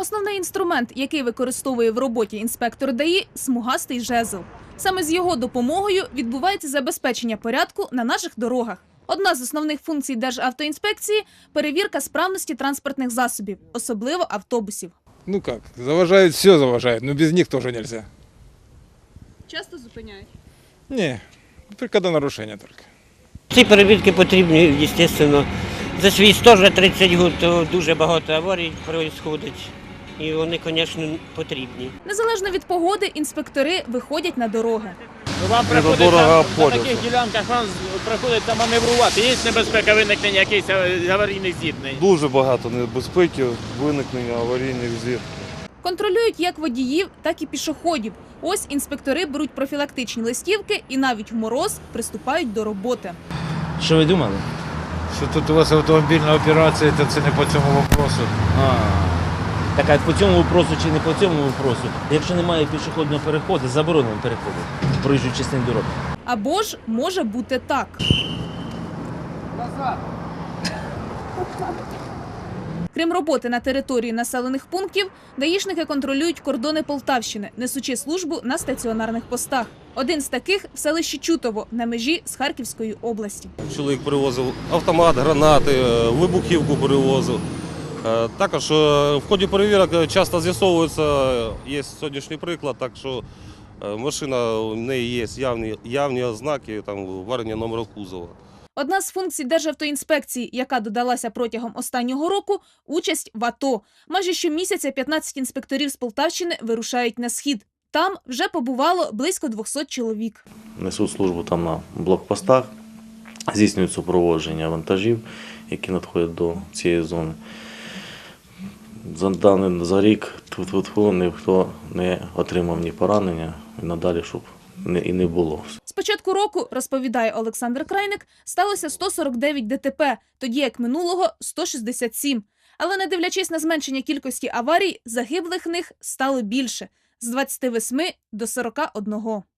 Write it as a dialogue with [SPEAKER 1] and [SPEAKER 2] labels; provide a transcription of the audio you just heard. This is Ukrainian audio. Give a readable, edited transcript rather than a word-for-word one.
[SPEAKER 1] Основний інструмент, який використовує в роботі інспектор ДАІ – смугастий жезл. Саме з його допомогою відбувається забезпечення порядку на наших дорогах. Одна з основних функцій Державтоінспекції – перевірка справності транспортних засобів, особливо автобусів.
[SPEAKER 2] Ну как, заважают, все заважают, но без них тоже нельзя.
[SPEAKER 1] Часто зупиняють?
[SPEAKER 2] Не, только до нарушения только.
[SPEAKER 3] Ці перевірки потрібні, звісно. За свій стаж 30 років дуже багато аварій відбувається. І вони, звісно, потрібні.
[SPEAKER 1] Незалежно від погоди, інспектори виходять на дороги.
[SPEAKER 4] Вам приходить на таких ділянках, вам приходиться маневрувати. Є небезпека виникнення якихось аварійних зіткнень?
[SPEAKER 5] Дуже багато небезпеки, виникнення аварійних зіткнень.
[SPEAKER 1] Контролюють як водіїв, так і пішоходів. Ось інспектори беруть профілактичні листівки і навіть в мороз приступають до роботи.
[SPEAKER 6] Що ви думали?
[SPEAKER 7] Що тут у вас автомобільна операція, то це не по цьому вопросу.
[SPEAKER 6] Так, а по цьому вопросу чи не по цьому вопросу? Якщо немає пішохідного переходу, заборонено переходити в проїжджу частину дороги.
[SPEAKER 1] Або ж може бути так. Крім роботи на території населених пунктів, даїшники контролюють кордони Полтавщини, несучи службу на стаціонарних постах. Один з таких – в селищі Чутово, на межі з Харківської області.
[SPEAKER 8] Чоловік привозив автомат, гранати, вибухівку привозив. Також в ході перевірок часто з'ясовується, є сьогоднішній приклад, так що машина, в неї є явні ознаки варення номеру кузова.
[SPEAKER 1] Одна з функцій Державтоінспекції, яка додалася протягом останнього року – участь в АТО. Майже щомісяця 15 інспекторів з Полтавщини вирушають на схід. Там вже побувало близько 200 чоловік.
[SPEAKER 9] Несуть службу там на блокпостах, здійснюють супроводження вантажів, які надходять до цієї зони. За рік ніхто не отримав ні поранення, і надалі, щоб і не було.
[SPEAKER 1] З початку року, розповідає Олександр Крайник, сталося 149 ДТП, тоді як минулого – 167. Але не дивлячись на зменшення кількості аварій, загиблих них стало більше – з 28 до 41.